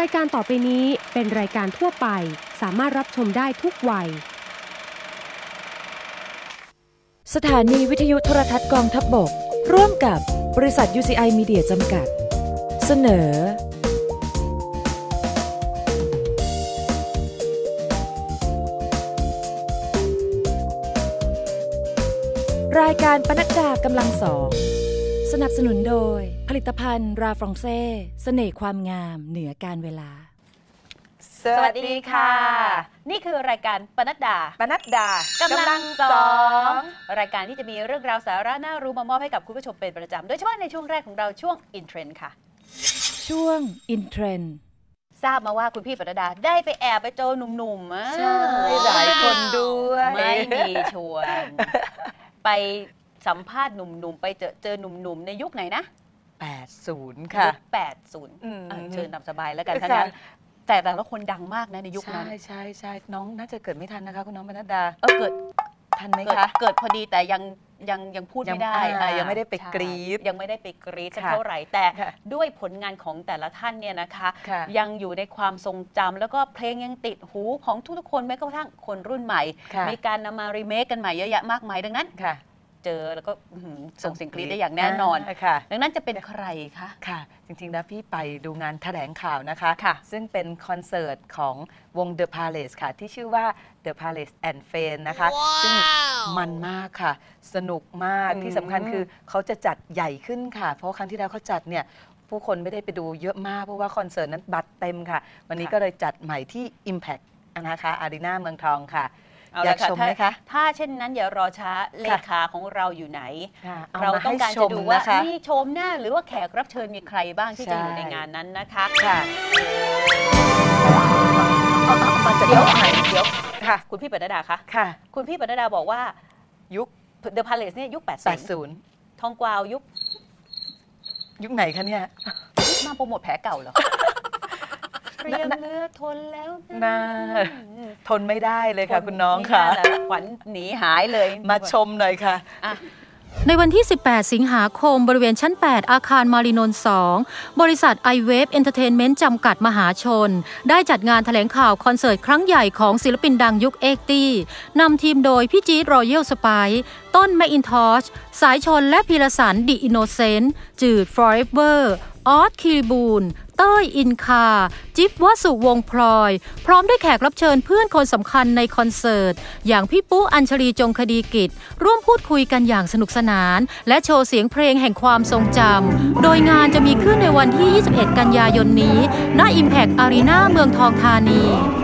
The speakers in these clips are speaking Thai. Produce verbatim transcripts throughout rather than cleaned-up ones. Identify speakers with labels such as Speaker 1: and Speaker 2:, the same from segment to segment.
Speaker 1: ายการต่อไปนี้เป็นรายการทั่วไปสามารถรับชมได้ทุกวัย
Speaker 2: สถานีวิทยุโทรทัศน์กองทัพบกร่วมกับบริษัท ยู ซี ไอ Media จำกัดเสนอรายการปนัดดากำลังสองสนับสนุนโดยผลิตภัณฑ์ราฟรองเซ่เสน่ห์ความงามเหนือการเวลา
Speaker 3: สวัสดีค่ะนี่คือรายการปนัดดา
Speaker 4: ปนัดดาก
Speaker 3: ำลังสองรายการที่จะมีเรื่องราวสาระน่ารู้มามอบให้กับคุณผู้ชมเป็นประจำโดยเฉพาะในช่วงแรกของเราช่วง In Trend ค่ะ
Speaker 2: ช่วง In Trend
Speaker 3: ทราบมาว่าคุณพี่ปนัดดาได้ไปแอบไปเจอหนุ่มๆ
Speaker 4: ใช่หลายคนด้วย
Speaker 3: ไม่มีชวนไปสัมภาษณ์หนุ่มๆไปเจอเจอหนุ่มๆในยุคไหนนะ
Speaker 4: แปดสิบค่ะ
Speaker 3: แปดสิบเชิญนำสบายแล้วกันทั้งนั้นแต่แต่ละคนดังมากนะในยุคนั้น
Speaker 4: ใช่ใช่ใช่น้องน่าจะเกิดไม่ทันนะคะคุณน้องปนัดดา
Speaker 3: เออเกิด
Speaker 4: ทันไหมคะ
Speaker 3: เกิดพอดีแต่ยังยังยังพูดไม่ได้
Speaker 4: ยังไม่ได้ไปกรี๊ด
Speaker 3: ยังไม่ได้ไปกรี๊ดเท่าไหร่แต่ด้วยผลงานของแต่ละท่านเนี่ยนะคะยังอยู่ในความทรงจำแล้วก็เพลงยังติดหูของทุกๆคนแม้กระทั่งคนรุ่นใหม่มีการนำมารีเมคกันใหม่เยอะแยะมากมายดังนั้นเจอแล้วก็ส่งเสียงกรี๊ดได้อย่างแน่นอนดังนั้นจะเป็นใครคะ
Speaker 4: ค่ะจริงๆแล้วพี่ไปดูงานแถลงข่าวนะคะซึ่งเป็นคอนเสิร์ตของวง The Palace ค่ะที่ชื่อว่า The Palace and Friends นะคะซึ่งมันมากค่ะสนุกมากที่สำคัญคือเขาจะจัดใหญ่ขึ้นค่ะเพราะครั้งที่แล้วเขาจัดเนี่ยผู้คนไม่ได้ไปดูเยอะมากเพราะว่าคอนเสิร์ตนั้นบัตรเต็มค่ะวันนี้ก็เลยจัดใหม่ที่ Impact นะคะอารีนาเมืองทองค่ะอยากชมไหมคะ
Speaker 3: ถ้าเช่นนั้นอย่ารอช้าเลขาของเราอยู่ไหนเราต้องการจะดูว่ามีชมหน้าหรือว่าแขกรับเชิญมีใครบ้างที่จะอยู่ในงานนั้นนะคะ
Speaker 4: ค่ะ
Speaker 3: เดี๋ยวเดี๋ยวค่ะคุณพี่ปนัดดาคะค่ะคุณพี่ปนัดดาบอกว่ายุค The Palace เนี่ยยุคแปดสิบทองกวาวยุค
Speaker 4: ยุคไหนคะเนี่ย
Speaker 3: มาโปรโมทแผลเก่าเหรอเรียมเลือดทนแล้ว
Speaker 4: นะทนไม่ได้เลยค่ะคุณน้องค่ะ
Speaker 3: ขวัญหนีหายเลย
Speaker 4: มาชมหน่อยค่ะ
Speaker 1: ในวันที่สิบแปดสิงหาคมบริเวณชั้นแปดอาคารมารีนนท์สองบริษัท iWave Entertainment จำกัดมหาชนได้จัดงานแถลงข่าวคอนเสิร์ตครั้งใหญ่ของศิลปินดังยุคเอ็กซ์ตี้นำทีมโดยพี่จี๊ดรอยัลสไปซ์ต้นแมคอินทอชสายชนและพีรสันดิอินโนเซนต์จืด Forever ออสคิริบูลเต้ยอินคาจิ๊บวสุวงพลอยพร้อมด้วยแขกรับเชิญเพื่อนคนสำคัญในคอนเสิร์ตอย่างพี่ปุ๊อัญชลีจงคดีกิจร่วมพูดคุยกันอย่างสนุกสนานและโชว์เสียงเพลงแห่งความทรงจำโดยงานจะมีขึ้นในวันที่ยี่สิบเอ็ดกันยายนนี้ณ Impact Arena เมืองทองธานี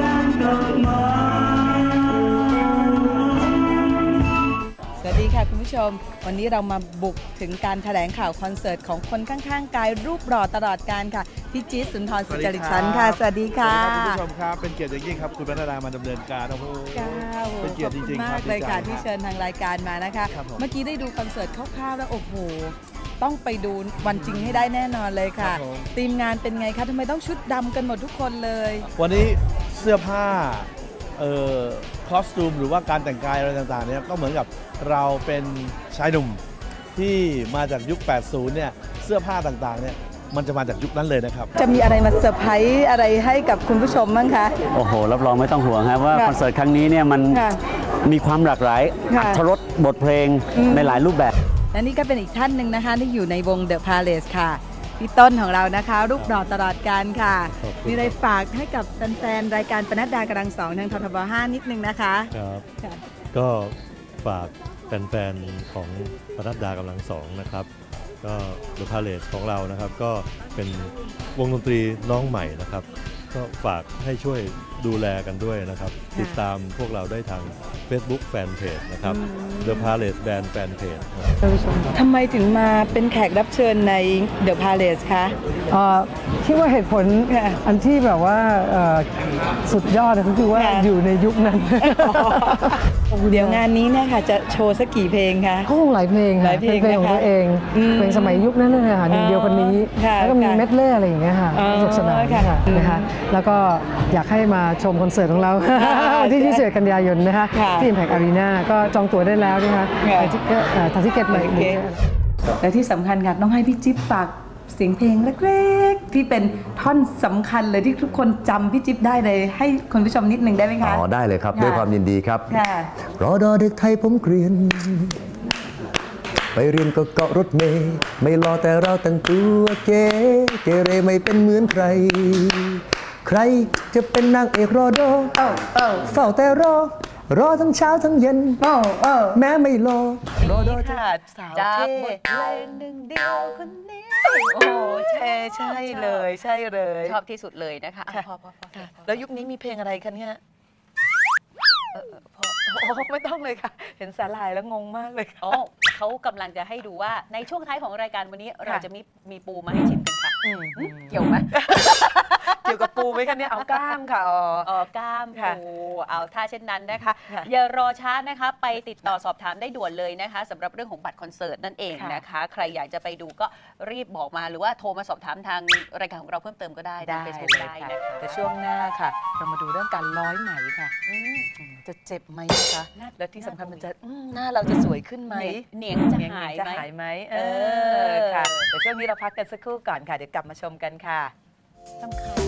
Speaker 4: สวัสดีค่ะคุณผู้ชมวันนี้เรามาบุกถึงการแถลงข่าวคอนเสิร์ตของคนข้างๆกายรูปหล่อตลอดการค่ะพี่จี๊ดสุนทรสุจริตชันค่ะสวัสดีค่ะ
Speaker 5: คุณผู้ชมครับเป็นเกียรติอย่างยิ่งครับคุณปนัดดามาดำเนินการโอ้โหเป็นเกียรติจริงๆ
Speaker 4: มากเลยค่ะที่เชิญทางรายการมานะคะเมื่อกี้ได้ดูคอนเสิร์ตคร่าวๆแล้วโอ้โหต้องไปดูวันจริงให้ได้แน่นอนเลยค่ะทีมงานเป็นไงคะทำไมต้องชุดดำกันหมดทุกคนเลย
Speaker 5: วันนี้เสื้อผ้าเอ่อคอสตูมหรือว่าการแต่งกายอะไรต่างๆเนี่ยก็เหมือนกับเราเป็นชายหนุ่มที่มาจากยุคแปดสิบเนี่ยเสื้อผ้าต่างๆเนี่ยมันจะมาจากยุคนั้นเลยนะครับ
Speaker 4: จะมีอะไรมาเซอร์ไพรส์อะไรให้กับคุณผู้ชมบ้างคะ
Speaker 6: โอ้โหรับรองไม่ต้องห่วงครับว่าคอนเสิร์ตครั้งนี้เนี่ยมันมีความหลากหลายอรรถรสบทเพลงในหลายรูปแบบ
Speaker 4: และนี่ก็เป็นอีกท่านหนึ่งนะคะที่อยู่ในวง The Palace ค่ะพี่ต้นของเรานะคะรูปหล่อตลอดการค่ะมีอะไรฝากให้กับแฟนๆรายการปนัดดากำลังสองทางททบห้านิดนึงนะคะ
Speaker 7: ครับก็ฝากแฟนๆของปนัดดากำลังสองนะครับก็ The Palace ของเรานะครับก็เป็นวงดนตรีน้องใหม่นะครับก็ฝากให้ช่วยดูแลกันด้วยนะครับติดตามพวกเราได้ทาง Facebook Fanpage นะครับ The Palace Band Fanpage
Speaker 4: ทำไมถึงมาเป็นแขกรับเชิญใน The Palace คะ
Speaker 8: คิดว่าเหตุผลอันที่แบบว่าสุดยอดก็คือว่าอยู่ในยุคนั้น
Speaker 4: เดี๋ยวงานนี้เนี่ยค่ะจะโชว์สักกี่เพลงคะ
Speaker 8: ก็คงหลายเพลงค่ะเป็นเพลงของตัวเองเพลงสมัยยุคนั้นเลยค่ะหนึ่งเดียวคนนี้แล้วก็มีเมดเล่อะไรอย่างเงี้ยค่ะสนุกสนานค่ะนะคะแล้วก็อยากให้มาชมคอนเสิร์ตของเราที่ยี่สิบเอ็ดกันยายนนะคะที่ Impact Arena ก็จองตั๋วได้แล้วนะคะทางทิเก็ตใหม่
Speaker 4: และที่สำคัญค่ะต้องให้พี่จิ๊บฝากเสียงเพลงเล็กๆที่เป็นท่อนสำคัญเลยที่ทุกคนจำพี่จิ๊บได้เลยให้คุณผู้ชมนิดนึงได้ไหมคะ
Speaker 9: อ๋อได้เลยครับด้วยความยินดีครับรอดอเด็กไทยผมเกรียนไปเรียนก็เกาะรถเมย์ไม่รอแต่เราแต่งตัวเก๋เกเรไม่เป็นเหมือนใครใครจะเป็นนางเอกรอดอเฝ้าแต่รอรอทั้งเช้าทั้งเย็นแม้ไม่รอรอดอ
Speaker 4: ค่ะสาวเท่บทเพลงหนึ่งเดียวคนนี้โอ้ใช่ใช่เลยใช่เลย
Speaker 3: ชอบที่สุดเลยนะคะพอพอพอ
Speaker 4: แล้วยุคนี้มีเพลงอะไรคะเนี่ยพอไม่ต้องเลยค่ะเห็นสาลายแล้วงงมากเลย
Speaker 3: อ๋อเขากำลังจะให้ดูว่าในช่วงท้ายของรายการวันนี้เราจะมีมีปูมาให้ชิมกันค่ะเกี่ยวไหม
Speaker 4: เกี่ยวกับปูไหมคะเนี่ยเอากล้ามค่ะ
Speaker 3: อ๋อกล้ามปูเอาถ้าเช่นนั้นนะคะอย่ารอช้านะคะไปติดต่อสอบถามได้ด่วนเลยนะคะสำหรับเรื่องของบัตรคอนเสิร์ตนั่นเองนะคะใครอยากจะไปดูก็รีบบอกมาหรือว่าโทรมาสอบถามทางรายการของเราเพิ่มเติมก็ได้
Speaker 4: ได้ได้นะคะแต่ช่วงหน้าค่ะเรามาดูเรื่องการร้อยไหมค่ะจะเจ็บไหมคะและที่สำคัญมันจะหน้าเราจะสวยขึ้นไหม
Speaker 3: เหนียงจะหาย
Speaker 4: ไหมเออค่ะแต่ช่วงนี้เราพักกันสักครู่ก่อนค่ะเดี๋ยวกลับมาชมกันค่ะสำคัญ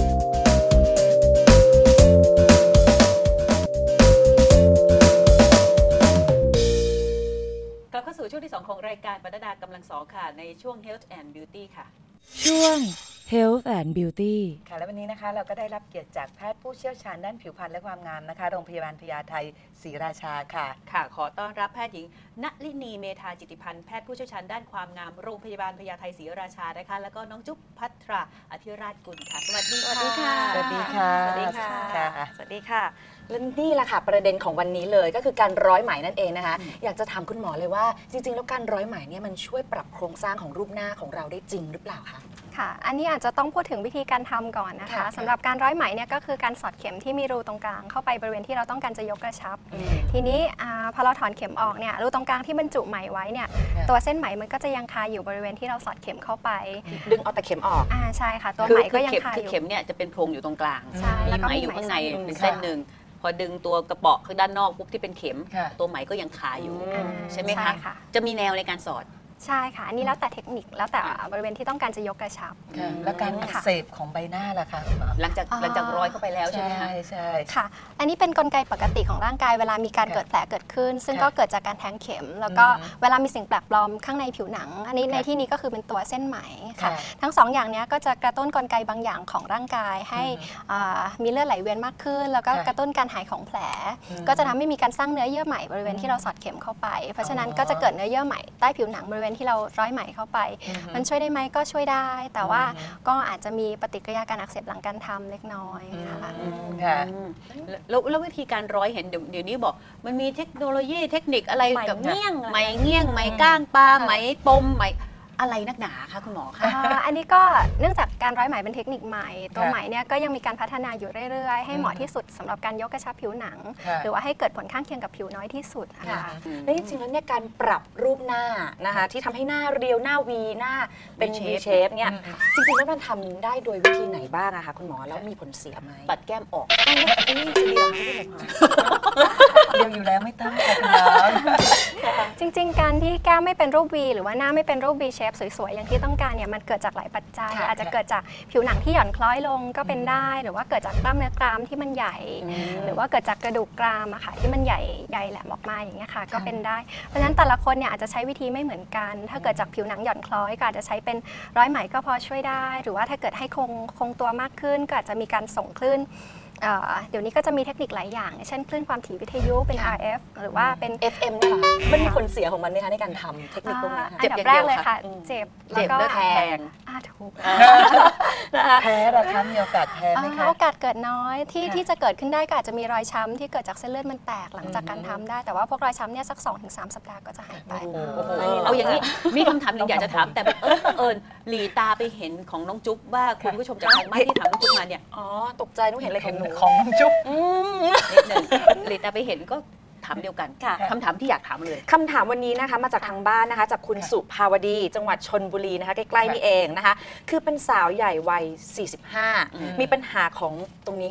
Speaker 3: กลับเข้าสู่ช่วงที่สองของรายการปนัดดากำลังสองค่ะในช่วง Health and Beauty ค่ะ
Speaker 2: ช่วง Health and Beauty
Speaker 4: ค่ะและวันนี้นะคะเราก็ได้รับเกียรติจากแพทย์ผู้เชี่ยวชาญด้านผิวพรรณและความงามนะคะโรงพยาบาลพญาไทศรีราชาค่ะ
Speaker 3: ค่ะขอต้อนรับแพทย์หญิงณลินีเมธาจิตติพันธ์แพทย์ผู้เชี่ยวชาญด้านความงามโรงพยาบาลพญาไทศรีราชานะคะแล้วก็น้องจุ๊บภัทราอธิราชกุลค่ะสวัสดีค่ะ
Speaker 4: สวัสดีค่ะ
Speaker 3: สวัสดีค่ะ
Speaker 10: สวัสดีค่ะและนี่แหละค่ะประเด็นของวันนี้เลยก็คือการร้อยไหมนั่นเองนะคะอยากจะถามคุณหมอเลยว่าจริงๆแล้วการร้อยไหมเนี่ยมันช่วยปรับโครงสร้างของรูปหน้าของเราได้จริงหรือเปล่าคะ
Speaker 11: ค่ะอันนี้อาจจะต้องพูดถึงวิธีการทำก่อนนะคะสำหรับการร้อยไหมเนี่ยก็คือการสอดเข็มที่มีรูตรงกลางเข้าไปบริเวณที่เราต้องการจะยกกระชับทีนี้พอเราถอนเข็มออกเนี่ยรูตรงกลางที่บรรจุไหมไว้เนี่ยตัวเส้นไหมมันก็จะยังคาอยู่บริเวณที่เราสอดเข็มเข้าไป
Speaker 10: ดึงเอาแต่เข็มออก
Speaker 11: อ่าใช่ค่ะตัวไหมก็ยังคาอยู่
Speaker 3: เข็มเนี่ยจะเป็นโพรงอยู่ตรงกลางมีไหมอยู่ข้างในเป็นเส้นหนึ่งพอดึงตัวกระเปาะข้างด้านนอกปุ๊บที่เป็นเข็มตัวไหมก็ยังคาอยู่ใช่ไหมคะจะมีแนวในการสอด
Speaker 11: ใช่ค่ะอันนี้แล้วแต่เทคนิคแล้วแต่บริเวณที่ต้องการจะยกกระชับ
Speaker 4: แล้วการอักเสบของใบหน้าล่ะคะ
Speaker 3: หลังจากหลังจากร้อยเข้าไปแล้วใช่ไหมคะ
Speaker 11: ใช่ค่ะอันนี้เป็นกลไกปกติของร่างกายเวลามีการเกิดแผลเกิดขึ้นซึ่งก็เกิดจากการแทงเข็มแล้วก็เวลามีสิ่งแปลกปลอมข้างในผิวหนังอันนี้ในที่นี้ก็คือเป็นตัวเส้นไหมค่ะทั้งสองอย่างนี้ก็จะกระตุ้นกลไกบางอย่างของร่างกายให้มีเลือดไหลเวียนมากขึ้นแล้วก็กระตุ้นการหายของแผลก็จะทำให้มีการสร้างเนื้อเยื่อใหม่บริเวณที่เราสอดเข็มเข้าไปเพราะฉะนั้นก็จะเกิดเนื้อเยื่อใหม่ใต้ผิวหนังบริเวณที่เราร้อยไหมเข้าไปมันช่วยได้ไหมก็ช่วยได้แต่ว่าก็อาจจะมีปฏิกิริยาการอักเสบหลังการทำเล็กน้อย
Speaker 3: ค่ะแล้ววิธีการร้อยเห็นเดี๋ยวนี้บอกมันมีเทคโนโลยีเทคนิคอะไรกับเงี้ยงไหมเงี้ยงไหมก้างปลาไหมปมไหมอะไรนักหนาคะคุณหมอคะ
Speaker 11: อันนี้ก็เนื่องจากการร้อยไหมเป็นเทคนิคใหม่ตัวไหมเนี่ยก็ยังมีการพัฒนาอยู่เรื่อยๆให้เหมาะที่สุดสำหรับการยกกระชับผิวหนังหรือว่าให้เกิดผลข้างเคียงกับผิวน้อยที่สุดค่ะ
Speaker 10: และจริงๆแล้วเนี่ยการปรับรูปหน้านะคะที่ทำให้หน้าเรียวหน้าวีหน้าเป็น V shape เนี่ยจริงๆแล้วมันทำได้โดยวิธีไหนบ้างอะคะคุณหมอแล้วมีผลเสียไหม
Speaker 3: ปัดแก้มออก
Speaker 10: นี่จะเรียวไม่ได้หรอ
Speaker 4: เรียวอยู่แล้วไม่ต้องค่ะ
Speaker 11: จริงๆการที่แก้มไม่เป็นรูป V หรือว่าหน้าไม่เป็นรูป V shape สวยๆอย่างที่ต้องการเนี่ยมันเกิดจากหลายปัจจัยอาจจะเกิดจากผิวหนังที่หย่อนคล้อยลงก็เป็นได้หรือว่าเกิดจากกล้ามเนื้อกรามที่มันใหญ่หรือว่าเกิดจากกระดูกกรามอะค่ะที่มันใหญ่ใหญ่แหลมออกมาอย่างเงี้ยค่ะก็เป็นได้เพราะฉะนั้นแต่ละคนเนี่ยอาจจะใช้วิธีไม่เหมือนกันถ้าเกิดจากผิวหนังหย่อนคล้อยก็อาจจะใช้เป็นร้อยไหมก็พอช่วยได้หรือว่าถ้าเกิดให้คงคงตัวมากขึ้นก็อาจจะมีการส่งคลื่นเดี๋ยวนี้ก็จะมีเทคนิคหลายอย่างเช่นคลื่นความถี่วิทยุเป็น อาร์ เอฟ หรือว่าเป็น
Speaker 10: เอฟ เอ็ม เนี่ยมันมีผลเสียของมันไหมคะในการทำเทคนิคพวกนี้
Speaker 11: อันดับแรกเลยค่ะเจ็บ
Speaker 3: แล้วก็แพง
Speaker 11: ถูก
Speaker 4: แพ้หรอคะมีโอกาสแพ้ไหมคะ
Speaker 11: โอกาสเกิดน้อยที่ที่จะเกิดขึ้นได้ก็อาจจะมีรอยช้ำที่เกิดจากเส้นเลือดมันแตกหลังจากการทำได้แต่ว่าพวกรอยช้ำเนี่ยสัก สองถึงสาม สัปดาห์ก็จะหายไป
Speaker 3: เอาอย่างนี้มีคำถามหนึ่งอยากจะถามแต่เออเอิญหลีตาไปเห็นของน้องจุ๊บว่าคุณผู้ชมจากทางบ้านที่ถามน้องจุ๊บมาเนี่ย
Speaker 10: อ๋อตกใจน้องเห็นอะไรของหนู
Speaker 4: ของน้องจุ๊บ
Speaker 3: นิดหนึ่งหลีตาไปเห็นก็ถามเดียวกันคำถามที่อยากถามเลย
Speaker 10: คำถามวันนี้นะคะมาจากทางบ้านนะคะจากคุณสุภาวดีจังหวัดชลบุรีนะคะใกล้ๆนี่เองนะคะคือเป็นสาวใหญ่วัยสี่สิบห้ามีปัญหาของตรงนี้ค่ะ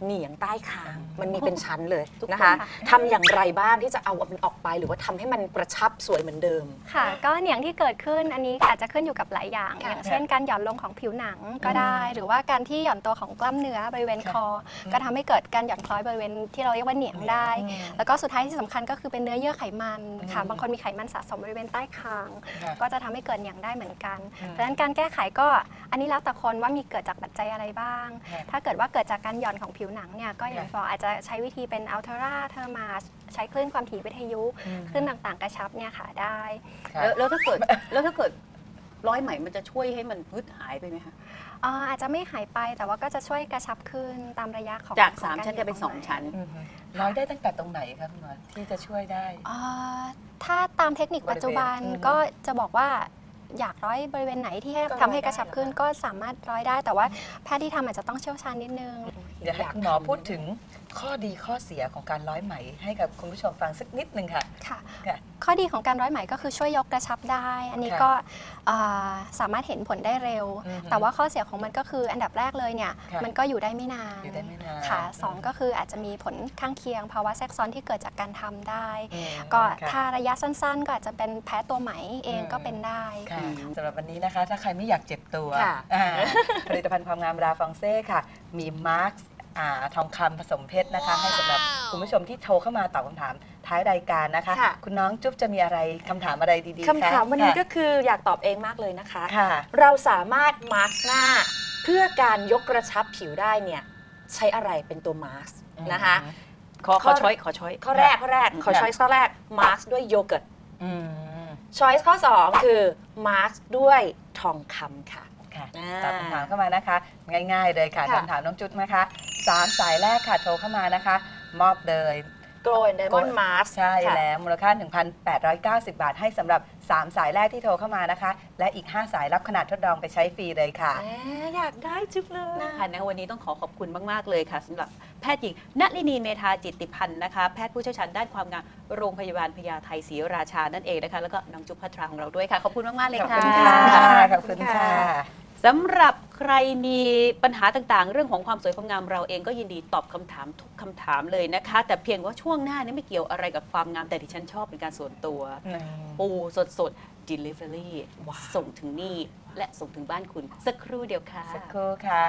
Speaker 10: เหนียงใต้คางมันมีเป็นชั้นเลยนะคะทำอย่างไรบ้างที่จะเอามันออกไปหรือว่าทำให้มันกระชับสวยเหมือนเดิม
Speaker 11: ค่ะก็เหนียงที่เกิดขึ้นอันนี้อาจจะขึ้นอยู่กับหลายอย่างอย่างเช่นการหย่อนลงของผิวหนังก็ได้หรือว่าการที่หย่อนตัวของกล้ามเนื้อบริเวณคอก็ทำให้เกิดการหย่อนคล้อยบริเวณที่เราเรียกว่าเหนียงได้แล้วก็สุดท้ายที่สำคัญก็คือเป็นเนื้อเยื่อไขมันค่ะบางคนมีไขมันสะสมบริเวณใต้คางก็จะทำให้เกิดเหนียงได้เหมือนกันเพราะฉะนั้นการแก้ไขก็อันนี้แล้วแต่คนว่ามีเกิดจากปัจจัยอะไรบ้างถ้าเกิดว่าเกิดจากการหย่อนของผิวหนังเนี่ยก็อย่างที่บอกอาจจะใช้วิธีเป็นอัลเทราเทอร์มาใช้คลื่นความถี่วิทยุคลื่นต่างๆกระชับเนี่ยค่ะได้
Speaker 3: แล้วถ้าเกิดแล้วถ้าเกิดร้อยไหมมันจะช่วยให้มันพืดหายไปไหมคะ
Speaker 11: อาจจะไม่หายไปแต่ว่าก็จะช่วยกระชับขึ้นตามระยะของ
Speaker 3: จากสามชั้นจะเป็นสองชั้น
Speaker 4: ร้อยได้ตั้งแต่ตรงไหนคะคุณหมอที่จะช่วยได้
Speaker 11: ถ้าตามเทคนิคปัจจุบันก็จะบอกว่าอยากร้อยบริเวณไหนที่ทำให้กระชับขึ้นก็สามารถร้อยได้แต่ว่าแพทย์ที่ทำอาจจะต้องเชี่ยวชาญนิดนึง
Speaker 4: เดี๋ยวให้คุณหมอพูดถึงข้อดีข้อเสียของการร้อยไหมให้กับคุณผู้ชมฟังสักนิดนึงค่ะ
Speaker 11: ค่ะข้อดีของการร้อยไหมก็คือช่วยยกกระชับได้อันนี้ก็สามารถเห็นผลได้เร็วแต่ว่าข้อเสียของมันก็คืออันดับแรกเลยเนี่ยมันก็อยู่ได้ไม่นานค่ะสองก็คืออาจจะมีผลข้างเคียงภาวะแทรกซ้อนที่เกิดจากการทำได้ก็ถ้าระยะสั้นๆก็อาจจะเป็นแพ้ตัวไหมเองก็เป็นได้
Speaker 4: สำหรับวันนี้นะคะถ้าใครไม่อยากเจ็บตัวผลิตภัณฑ์ความงามราฟรองเซ่ค่ะมีมาร์คทองคำผสมเพชรนะคะให้สำหรับคุณผู้ชมที่โทรเข้ามาตอบคำถามท้ายรายการนะคะคุณน้องจุ๊บจะมีอะไรคำถามอะไรดีๆ
Speaker 10: คำถามวันนี้ก็คืออยากตอบเองมากเลยนะคะเราสามารถมาร์คหน้าเพื่อการยกกระชับผิวได้เนี่ยใช้อะไรเป็นตัวมาร์คนะคะ
Speaker 3: ขอขอช้อยขอช้อย
Speaker 10: ข้อแรกข้อแรกขอช้อยข้อแรกมาร์คด้วยโยเกิร์ตช้อยข้อสองคือมาร์คด้วยทองคำค่ะ
Speaker 4: ตอบคำถามเข้ามานะคะง่ายๆเลยค่ะคำถามน้องจุ๊บนะคะสามสายแรกค่ะโทรเข้ามานะคะมอบเลย
Speaker 10: โกลด์ไดมอนด์มาร์ค
Speaker 4: ใช่แล้วมูลค่า หนึ่งพันแปดร้อยเก้าสิบ บาทให้สำหรับสามสายแรกที่โทรเข้ามานะคะและอีกห้าสายรับขนาดทดลองไปใช้ฟรีเลยค่ะ
Speaker 10: อยากได้จุ๊บเลย
Speaker 3: นะคะในวันนี้ต้องขอขอบคุณมากๆเลยค่ะสำหรับแพทย์หญิงณลินีเมธาจิตติพันธ์นะคะแพทย์ผู้เชี่ยวชาญด้านความงามโรงพยาบาลพญาไทศรีราชานั่นเองนะคะแล้วก็น้องจุ๊บพัทราของเราด้วยค่ะขอบคุณมากๆเลยค่ะ
Speaker 4: ขอบคุณค่ะขอบคุณค่ะ
Speaker 3: สำหรับใครมีปัญหาต่างๆเรื่องของความสวยความงามเราเองก็ยินดีตอบคำถามทุกคำถามเลยนะคะแต่เพียงว่าช่วงหน้านี้ไม่เกี่ยวอะไรกับความงามแต่ที่ฉันชอบเป็นการส่วนตัวปูสดๆ delivery ส่งถึงนี่และส่งถึงบ้านคุณสักครู่เดียวค่ะ
Speaker 4: สักครู่ค่ะ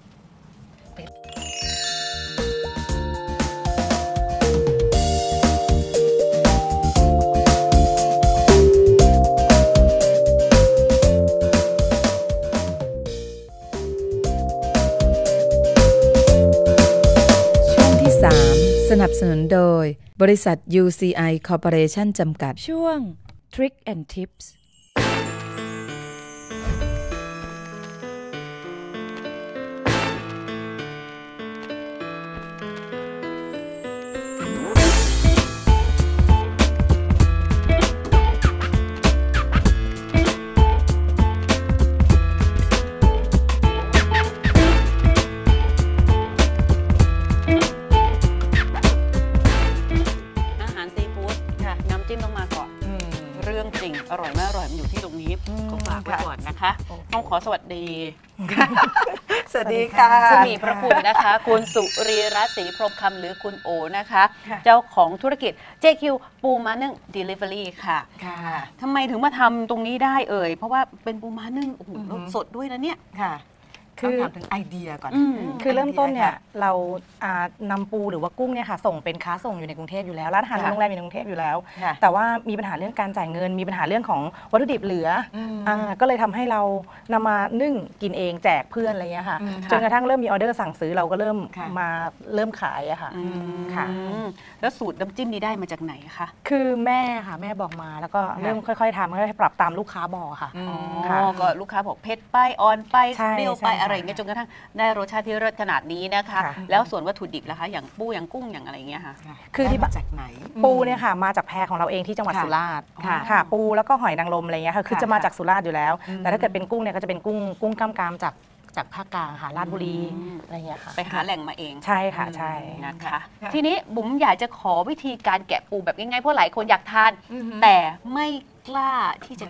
Speaker 4: สนับสนุนโดยบริษัท ยู ซี ไอ Corporation จำกัด
Speaker 2: ช่วง Trick and Tips
Speaker 3: อร่อยมากอร่อยมันอยู่ที่ตรงนี้ก็ฝากไว้ก่อนนะคะต้องขอสวัสดี
Speaker 4: สวัสดีค่ะ
Speaker 3: ผู้มีพระคุณนะคะคุณสุรีรัตน์ศรีพรหมคำหรือคุณโอนะคะเจ้าของธุรกิจ เจ คิว ปูม้านึ่ง Delivery ค่ะทำไมถึงมาทำตรงนี้ได้เอ่ยเพราะว่าเป็นปูม้านึ่งโอ้โหสดด้วยนะเนี่ย
Speaker 4: ค่ะคือถามถึงไอเดียก่อน
Speaker 12: คือเริ่มต้นเนี่ยเรานำปูหรือว่ากุ้งเนี่ยค่ะส่งเป็นค้าส่งอยู่ในกรุงเทพอยู่แล้วร้านอาหารโรงแรมอยู่ในกรุงเทพอยู่แล้วแต่ว่ามีปัญหาเรื่องการจ่ายเงินมีปัญหาเรื่องของวัตถุดิบเหลือก็เลยทำให้เรานำมานึ่งกินเองแจกเพื่อนอะไรเงี้ยค่ะจนกระทั่งเริ่มมีออเดอร์สั่งซื้อเราก็เริ่มมาเริ่มขายอะค่ะ
Speaker 3: ค่ะแล้วสูตรน้ำจิ้มนี้ได้มาจากไหนคะ
Speaker 12: คือแม่ค่ะแม่บอกมาแล้วก็เริ่มค่อยๆทำค่อยๆปรับตามลูกค้าบอกค่ะ
Speaker 3: อ๋อก็ลูกค้าบอกเผ็ดไปอ่อนไปเปรี้ยวไปอะไรเงี้ยจนกระทั่งได้รสชาติที่เลิศขนาดนี้นะคะแล้วส่วนวัตถุดิบล่ะคะอย่างปูอย่างกุ้งอย่างอะไรเงี้ยค่ะ
Speaker 12: คือที่มาจากไหนปูเนี่ยค่ะมาจากแพของเราเองที่จังหวัดสุราษฎร์ค่ะปูแล้วก็หอยนางรมอะไรเงี้ยค่ะคือจะมาจากสุราษฎร์อยู่แล้วแต่ถ้าเกิดเป็นกุ้งเนี่ยก็จะเป็นกุ้งกุ้งกล้ามกรามจากจากภาคกลางค่ะราชบุรีอะไรเงี้ยค่ะ
Speaker 3: ไปหาแหล่งมาเอง
Speaker 12: ใช่ค่ะใช่
Speaker 3: นะคะทีนี้บุ๋มอยากจะขอวิธีการแกะปูแบบง่ายๆเพราะหลายคนอยากทานแต่ไม่กล้าที่จะแกะ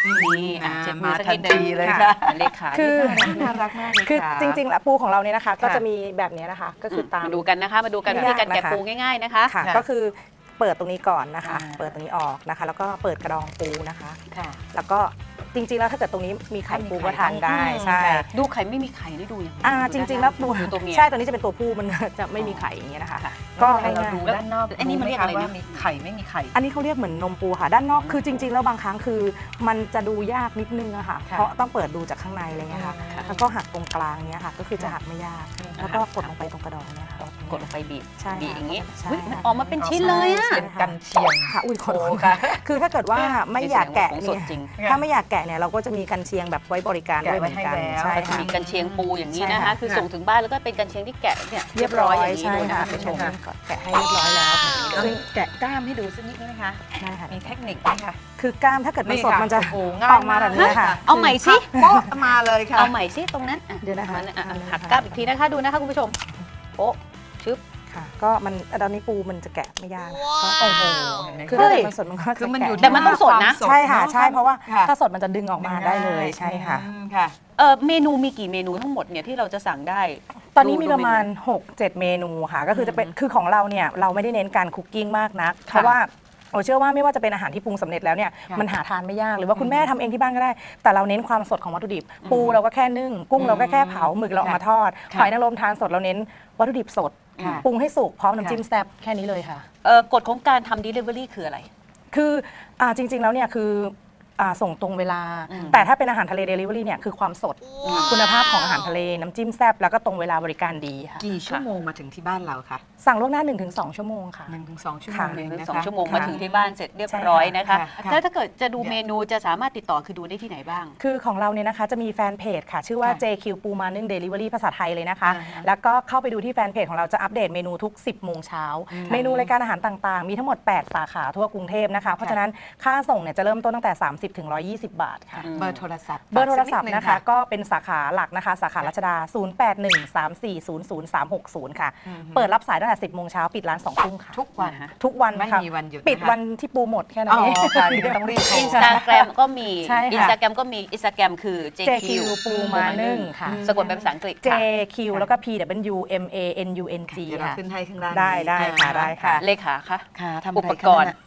Speaker 3: นี่เช็ดมือสักนิดนึง
Speaker 4: เลยค่ะ
Speaker 3: เลขา
Speaker 12: คือ
Speaker 4: น่ารักมากเลย
Speaker 12: คือ
Speaker 4: ค่ะ
Speaker 12: จริงๆแล้วปูของเราเนี่ยนะคะก็จะมีแบบนี้นะคะก็คือตาม
Speaker 3: มาดูกันนะคะมาดูกันวิธีการแกะปูง่ายๆนะคะ
Speaker 12: ก็คือเปิดตรงนี้ก่อนนะคะเปิดตรงนี้ออกนะคะแล้วก็เปิดกระดองปูนะคะแล้วก็จริงๆแล้วถ้าเกิดตรงนี้มีไข่ปูก็ทานได้ใช่
Speaker 3: ดูไข่ไม่มีไข่ได้ดูอย่าง
Speaker 12: อ่าจริงๆแล้วปู
Speaker 3: ตัวเมีย
Speaker 12: ใช่ตัวนี้จะเป็นตัวผู้มันจะไม่มีไข่อย่างเงี้ยนะคะ
Speaker 4: ก็เราดูด้านนอก
Speaker 3: อันนี้มันเรียกอะไรนะมีไข่ไม่มีไข่
Speaker 12: อันนี้เขาเรียกเหมือนนมปูค่ะด้านนอกคือจริงๆแล้วบางครั้งคือมันจะดูยากนิดนึงอะค่ะเพราะต้องเปิดดูจากข้างในอะไรเงี้ยค่ะแล้วก็หักตรงกลางเนี้ยค่ะก็คือจะหักไม่ยากแล้วก็กดลงไปตรงกระดองเนี่ยค่ะ
Speaker 3: กดลงไปบีบบีบอย่างนี้
Speaker 12: มัน
Speaker 3: ออกมาเป็นชิ้นเลยอะ
Speaker 4: กันเชียง
Speaker 12: ค่ะอุ้ยขอโทษค่ะคือถ้าเกิดว่าไม่อยากแกะเนี่ยถ้าไม่อยากแกะเนี่ยเราก็จะมีกันเชียงแบบไว้บริการด้วยเหมือนกัน
Speaker 3: ใช่ค่ะมีกันเชียงปูอย่างนี้นะคะคือส่งถึงบ้านแล้วก็เป็นกันเชียงที่แกะเนี่ยเรียบร้อยอย่างนี้เลยนะคะผู้ชม
Speaker 12: แกะให้เรียบร้อยแล้ว
Speaker 4: ซึ่งแกะกล้ามให้ดูสักนิดนึงนะคะ
Speaker 12: ได้ค่ะ
Speaker 4: มีเทคนิคไหมคะ
Speaker 12: คือกล้ามถ้าเกิดมันสดมันจะออกมาแบบนี้ค่ะ
Speaker 3: เอาใหม่สิ
Speaker 4: โป๊ะมาเลยค่ะ
Speaker 3: เอาใหม่สิตรงนั้น
Speaker 12: เดี๋ยวนะคะ
Speaker 3: หักกล้ามอีกทีนะคะดูนะคะคุณผู้ชมโป๊ะชึบ
Speaker 12: ค่ะก็มันตอนนี้ปูมันจะแกะไม่ยากก็
Speaker 3: โอ้โห
Speaker 12: คือถ้ามันสดมันก็
Speaker 3: คือมันอยู่แต่มันต้องสดนะ
Speaker 12: ใช่ค่ะใช่เพราะว่าถ้าสดมันจะดึงออกมาได้เลยใช่ค่ะ
Speaker 3: ค่ะเออเมนูมีกี่เมนูทั้งหมดเนี่ยที่เราจะสั่งได้
Speaker 12: ตอนนี้มีประมาณ หกเจ็ด เมนูค่ะก็คือจะเป็นคือของเราเนี่ยเราไม่ได้เน้นการคุกกิ้งมากนักเพราะว่าโอ้เชื่อว่าไม่ว่าจะเป็นอาหารที่ปรุงสำเร็จแล้วเนี่ยมันหาทานไม่ยากหรือว่าคุณแม่ทำเองที่บ้านก็ได้แต่เราเน้นความสดของวัตถุดิบปูเราก็แค่นึ่งกุ้งเราก็แค่เผาหมึกเราเอามาทอดหอยนางรมทานสดเราเน้นวัตถุดิบสดปรุงให้สุกพร้อมน้ำจิ้มแซ่บแค่นี้เลยค่ะ
Speaker 3: กฎของการทำ delivery คืออะไร
Speaker 12: คือจริงๆแล้วเนี่ยคือส่งตรงเวลาแต่ถ้าเป็นอาหารทะเล Delivery เนี่ยคือความสดคุณภาพของอาหารทะเลน้ำจิ้มแซ่บแล้วก็ตรงเวลาบริการดีค่ะ
Speaker 4: กี่ชั่วโมงมาถึงที่บ้านเราคะ
Speaker 12: สั่งล่วงหน้า หนึ่งถึงสอง ชั่วโมงค่ะ
Speaker 4: หนึ่งถึงสอง ชั่วโมง
Speaker 3: หนึ่งถึงสองชั่วโมงมาถึงที่บ้านเสร็จเรียบร้อยนะคะแล้วถ้าเกิดจะดูเมนูจะสามารถติดต่อคือดูได้ที่ไหนบ้าง
Speaker 12: คือของเราเนี่ยนะคะจะมีแฟนเพจค่ะชื่อว่า เจ คิว ปูมานึ่ง Delivery ภาษาไทยเลยนะคะแล้วก็เข้าไปดูที่แฟนเพจของเราจะอัปเดตเมนูทุก สิบโมงเช้าเมนูรายการอาหารต่างๆมีทั้งหมดแปดสาขาทั่วกรุงเทพนะคะเพราะฉะนั้นค่าส่งเนี่ยจะเริ่มต้นตั้งแต่สามสิบถึงหนึ่งร้อยยี่สิบบาทค่ะ
Speaker 4: เบอร์โทรศัพท์
Speaker 12: เบอร์โทรศัพท์นะคะก็เป็นสาขาหลักนะคะสาขารัชดาศูนย์ แปด หนึ่ง สาม สี่ ศูนย์ ศูนย์ สาม หก ศูนย์ค่ะเปิดรับสายตั้งแต่สิบโมงเช้าปิดร้านสองทุ่มค่ะ
Speaker 4: ทุกวัน
Speaker 12: ทุกวัน
Speaker 4: ไม่มีวันหยุด
Speaker 12: ปิดวันที่ปูหมดแค่นั้นเอง
Speaker 4: ต้องรีบ
Speaker 3: อินสตาแกรมก็มีอินสตาแกรมก็มีอินสตาแกรมคือ เจ คิว
Speaker 12: ปูมานึ่งค่ะ
Speaker 3: สะกดเป็นภาษาอังกฤษ
Speaker 12: เจ คิว แล้วก็ P W M A N U N G
Speaker 4: ค่ะขึ้นให้ข้างล่าง
Speaker 12: ได้ได้ค่ะได้ค่ะ
Speaker 3: เลขาค่ะอุปกรณ์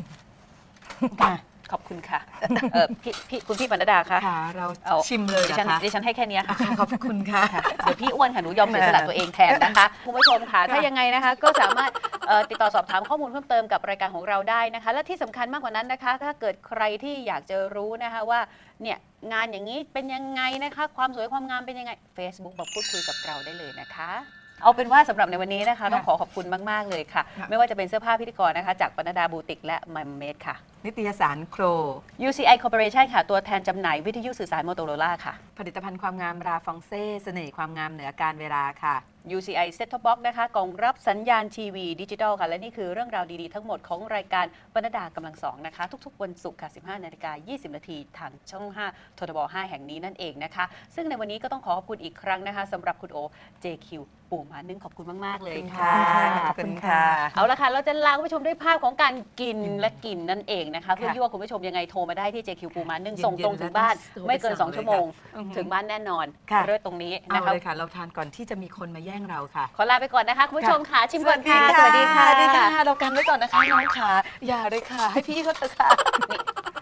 Speaker 3: ขอบคุณค่ะพี่พี่คุณพี่ปนัดดาคะ
Speaker 4: เราชิมเลย
Speaker 3: ดิฉันดิฉันให้แค่นี้ค่ะ
Speaker 4: ขอบคุณค่ะ
Speaker 3: เดี๋ยวพี่อ้วนค่ะหนูยอมเสียสละตัวเองแทนนะคะคุณผู้ชมค่ะถ้ายังไงนะคะก็สามารถติดต่อสอบถามข้อมูลเพิ่มเติมกับรายการของเราได้นะคะและที่สำคัญมากกว่านั้นนะคะถ้าเกิดใครที่อยากจะรู้นะคะว่าเนี่ยงานอย่างนี้เป็นยังไงนะคะความสวยความงามเป็นยังไง Facebook มาพูดคุยกับเราได้เลยนะคะเอาเป็นว่าสำหรับในวันนี้นะคะต้องขอขอบคุณมากๆเลยค่ะไม่ว่าจะเป็นเสื้อผ้าพิธีกรนะคะจากปนัดดาบูติกและมัมเมดค่ะ
Speaker 4: นิตยสารโคร
Speaker 3: ยู ซี ไอ Corporation ค่ะตัวแทนจำหน่ายวิทยุสื่อสารโมโตโรล่าค่ะ
Speaker 4: ผลิตภัณฑ์ความงามราฟองเซ่เสน่ห์ความงามเหนือการเวลาค่ะ
Speaker 3: ยู ซี ไอ Set Top Box นะคะกล่องรับสัญญาณทีวีดิจิทัลค่ะและนี่คือเรื่องราวดีๆทั้งหมดของรายการปนัดดากำลังสองนะคะทุกๆวันศุกร์ค่ะ สิบห้านาฬิกายี่สิบนาทีทางช่องห้าททบห้าแห่งนี้นั่นเองนะคะซึ่งในวันนี้ก็ต้องขอขอบคุณอีกครั้งนะคะสำหรับคุณโอ เจ คิว ปูมานึ่งขอบคุณมากๆเลยค่ะ
Speaker 4: ขอบคุณค่ะ
Speaker 3: เอาละค่ะเราจะลาคุณผู้ชมด้วยภาพของการกินและกินนั่นเองนะคะเพื่อยั่วคุณผู้ชมยังไงโทรมาได้ที่ เจ คิว ปูมานึ่งส่งตรงถึงบ้านไม่เกินสองชั่วโมงถึงบ้านแน่นอนเริ่มตรงนี้
Speaker 4: นะคะเอาเลยค่ะเราทานก่อนที่จะมีคนมาแย่งเราค่ะ
Speaker 3: ขอลาไปก่อนนะคะคุณผู้ชมค่ะชิมก่อนค่ะสวัสดีค่ะ
Speaker 4: เรากันไว้ก่อนนะคะน้องค่ะอย่าเลยค่ะให้พี่เขาเถอะค่ะ